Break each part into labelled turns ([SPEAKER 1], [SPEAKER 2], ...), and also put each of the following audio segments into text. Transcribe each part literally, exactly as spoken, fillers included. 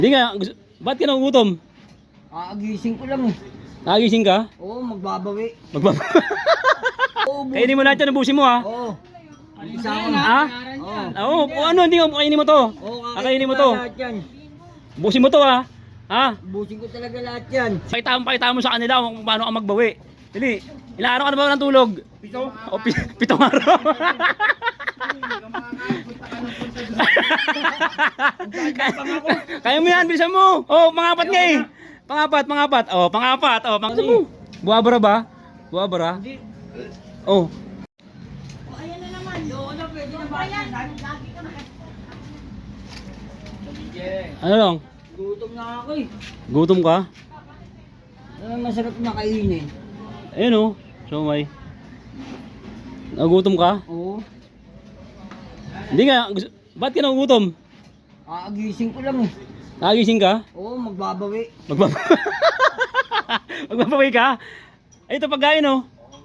[SPEAKER 1] Hindi nga, gusto, ba't ka nagugutom?
[SPEAKER 2] Aagising ko lang eh.
[SPEAKER 1] Nagising ka?
[SPEAKER 2] Oo, magbabawi.
[SPEAKER 1] Magbaba.
[SPEAKER 2] Oo, bu-
[SPEAKER 1] Kainin mo lahat yan, ubusin mo ha.
[SPEAKER 2] Oo. Isa ko na.
[SPEAKER 1] Ha?
[SPEAKER 2] Oo.
[SPEAKER 1] Oo, oh, ano, hindi mo, kainin mo to.
[SPEAKER 2] Oo,
[SPEAKER 1] Kakainin mo to.
[SPEAKER 2] lahat yan.
[SPEAKER 1] Ubusin mo to ha. Ha?
[SPEAKER 2] Busin ko talaga lahat yan.
[SPEAKER 1] Pakita mo, pakita mo sa kanila kung paano ka magbawi. Dili, ilang araw ka na ba ng tulog?
[SPEAKER 2] Pito?
[SPEAKER 1] O, pi pitong araw. Kaya mo yan, bilisan mo. Oh, pangapat nga eh. Pangapat, pangapat. Oh, pangapat. Oh, pangapat mo. Buwabara ba? Buwabara? Oh.
[SPEAKER 2] Ayan na naman. Oo na, pwede na ba?
[SPEAKER 1] Ano lang?
[SPEAKER 2] Gutom na ako eh.
[SPEAKER 1] Gutom ka?
[SPEAKER 2] Ano masarap na kainin?
[SPEAKER 1] Ayun oh. Siomay. Nagutom ka?
[SPEAKER 2] Oo.
[SPEAKER 1] Hindi nga, gusto, ba't ka nagugutom?
[SPEAKER 2] Aagising ko lang eh.
[SPEAKER 1] Nagising ka?
[SPEAKER 2] Oo, magbabawi.
[SPEAKER 1] Magbaba Magbabaway ka? Ay, ito pagkain oh.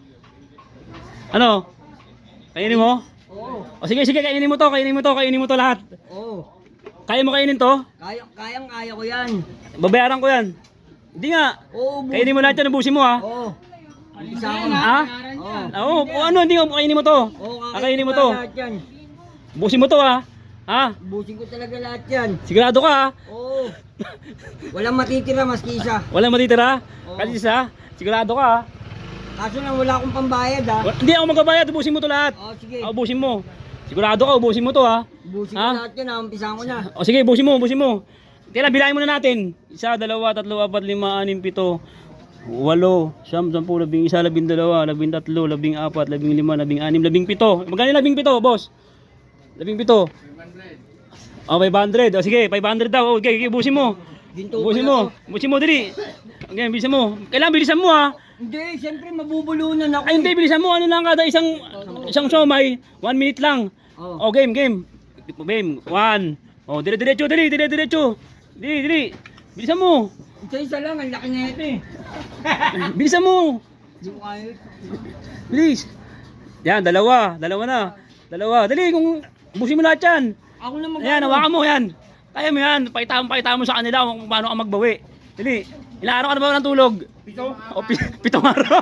[SPEAKER 1] Ano? Kainin mo?
[SPEAKER 2] Oo.
[SPEAKER 1] O sige, sige, kainin mo to, kainin mo to, kainin mo to lahat.
[SPEAKER 2] Oo.
[SPEAKER 1] Kaya mo kainin to?
[SPEAKER 2] Kaya, kayang kaya ko yan.
[SPEAKER 1] Babayaran ko yan. Hindi nga.
[SPEAKER 2] Oo, bu-
[SPEAKER 1] Kainin mo lahat yan, ubusin mo ha.
[SPEAKER 2] Oo. Isa ko na.
[SPEAKER 1] Ha?
[SPEAKER 2] Oo.
[SPEAKER 1] Oo, ano, hindi nga, kainin mo to.
[SPEAKER 2] Oo,
[SPEAKER 1] Kakainin mo to.
[SPEAKER 2] lahat yan.
[SPEAKER 1] Ubusin mo to ha. Ha?
[SPEAKER 2] Busin ko talaga lahat yan.
[SPEAKER 1] Sigurado ka ha.
[SPEAKER 2] Oo. Walang matitira maski isa.
[SPEAKER 1] Walang matitira.
[SPEAKER 2] Oo.
[SPEAKER 1] Kasi isa, sigurado ka ha.
[SPEAKER 2] Kaso lang wala akong pambayad ha.
[SPEAKER 1] Wa- Hindi ako magbabayad, ubusin mo to lahat.
[SPEAKER 2] Oo, sige.
[SPEAKER 1] Ah, ubusin mo. Sigurado ka, ubusin mo to ha.
[SPEAKER 2] Busin ko
[SPEAKER 1] Ha?
[SPEAKER 2] lahat yan ha. Umpisahan ko na.
[SPEAKER 1] O sige, ubusin mo, ubusin mo. Kailan, bilahin muna natin. Isa, dalawa, tatlo, apat, lima, anim, pito, walo, siyam, sampu, labing isa, labing dalawa, labing tatlo, labing apat, labing lima, labing anim, labing pito. Magkano yung labing pito, boss? Labing pito. O, five hundred. O sige, five hundred daw. O, okay, okay, ubusin mo.
[SPEAKER 2] Ginto
[SPEAKER 1] Ubusin
[SPEAKER 2] pala
[SPEAKER 1] mo.
[SPEAKER 2] to.
[SPEAKER 1] Ubusin mo, dali. Okay, bilisan mo. Kailangan bilisan mo ha.
[SPEAKER 2] Hindi, siyempre mabubulunan ako.
[SPEAKER 1] Ay, hindi, bilisan mo. Ano lang kada isang, isang siomay. One minute lang.
[SPEAKER 2] Oo.
[SPEAKER 1] O, game, game. Game, one. O, dire-diretso, dali, dire-diretso. Dili, dili. Bilisan mo.
[SPEAKER 2] Isa-isa lang, ang laki na ito eh.
[SPEAKER 1] Bilisan mo.
[SPEAKER 2] Hindi ko kaya.
[SPEAKER 1] Bilis. Yan, dalawa. Dalawa na. Dalawa. Dali, kung ubusin mo lahat yan.
[SPEAKER 2] Ako na mag-
[SPEAKER 1] Ayan, hawakan mo yan. Kaya mo yan. Pakita mo, pakita mo sa kanila kung paano ka magbawi. Dali. Ilang araw ka na ba ng tulog?
[SPEAKER 2] Pito?
[SPEAKER 1] O, pi pitong araw.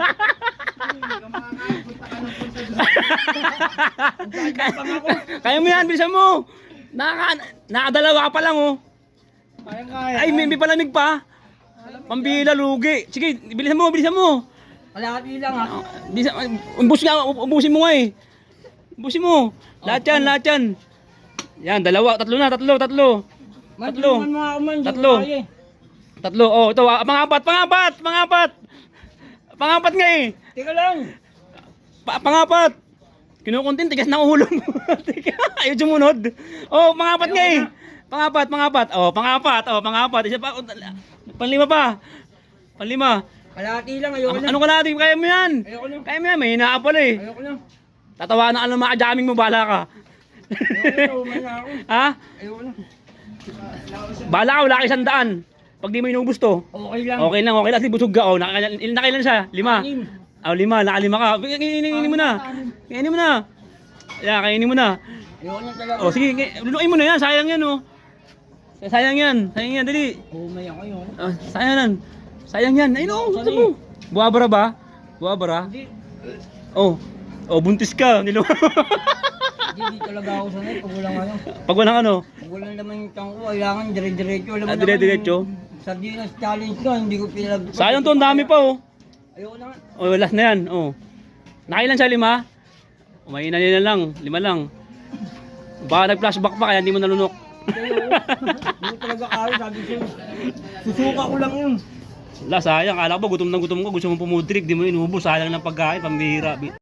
[SPEAKER 1] Kaya mo yan, bilisan mo. Naka, nakadalawa ka pa lang oh.
[SPEAKER 2] Kaya kaya.
[SPEAKER 1] Ay, may, may palamig pa. Pambila, lugi. Sige, bilisan mo, bilisan mo.
[SPEAKER 2] Kalahati lang ha.
[SPEAKER 1] Bilisan, ubus nga, ubusin mo nga eh. Ubusin mo. Lahat yan, lahat yan. Yan, dalawa, tatlo na, tatlo, tatlo. Tatlo.
[SPEAKER 2] Man, mo ako man. hindi ko
[SPEAKER 1] Tatlo.
[SPEAKER 2] kaya eh.
[SPEAKER 1] Tatlo, oh, ito, ah, pangapat, pangapat, pangapat. Pangapat nga eh.
[SPEAKER 2] Teka lang.
[SPEAKER 1] Pa pangapat. Kinukuntin, tigas na ulo mo. Tiga, ayaw sumunod. Oh, pangapat nga eh. Pangapat, pangapat. Oh, pangapat, oh, pangapat. Isa pa, oh, panlima pa. Panlima.
[SPEAKER 2] Kalahati lang, ayoko
[SPEAKER 1] Ano,
[SPEAKER 2] na.
[SPEAKER 1] ano ka natin? Kaya mo yan.
[SPEAKER 2] Ayoko na.
[SPEAKER 1] Kaya mo yan, may hinaa pala eh.
[SPEAKER 2] Ayoko na.
[SPEAKER 1] Tatawa na ka ng mga jamming mo, bala ka.
[SPEAKER 2] Ayoko na, umay na ako.
[SPEAKER 1] Ha?
[SPEAKER 2] Ayoko na.
[SPEAKER 1] Bala ka, wala ka isang daan. Pag di mo inubos to.
[SPEAKER 2] Okay lang.
[SPEAKER 1] Okay lang, okay lang. Kasi busog ka. Oh, nakailan, ilan nakailan siya? Lima.
[SPEAKER 2] Anim.
[SPEAKER 1] Oh, lima. Nakalima ka. Kainin kainin mo na. Kainin mo na. Yeah, kainin mo na.
[SPEAKER 2] Ayoko na talaga.
[SPEAKER 1] Oh, sige. kay- Luluin mo na yan. Sayang yan, oh. Sayang yan. Sayang yan. Dali.
[SPEAKER 2] Umay ako yun.
[SPEAKER 1] Oh, sayang yan. Sayang yan. Ayun, oh. Gusto mo. Buwabara ba? Buwabara?
[SPEAKER 2] Hindi.
[SPEAKER 1] Oh. Oh, buntis ka. Nilo.
[SPEAKER 2] Hindi, di talaga ako sanay. Pag walang ano.
[SPEAKER 1] Pag walang ano.
[SPEAKER 2] Pag walang naman yung tiyang ko, kailangan dire-diretso. Alam mo
[SPEAKER 1] Ah,
[SPEAKER 2] naman,
[SPEAKER 1] dire-diretso?
[SPEAKER 2] yung Sardinas challenge ko, hindi ko pinag...
[SPEAKER 1] Sayang to. Ang dami pa, oh.
[SPEAKER 2] Ayoko na nga.
[SPEAKER 1] Oh, last na yan. Oh. Nakailan siya? Lima? Oh, mahina nila lang. Lima lang. Baka nag-flashback pa kaya hindi mo nalunok.
[SPEAKER 2] Ayoko. Hindi ko talaga kaya, sabi ko. Susuka ko lang yun.
[SPEAKER 1] Wala, sayang. Kala ko ba gutom na gutom ko. Gusto mo pumudrik. Di mo inubos. Sayang ng pagkain. Pambihira.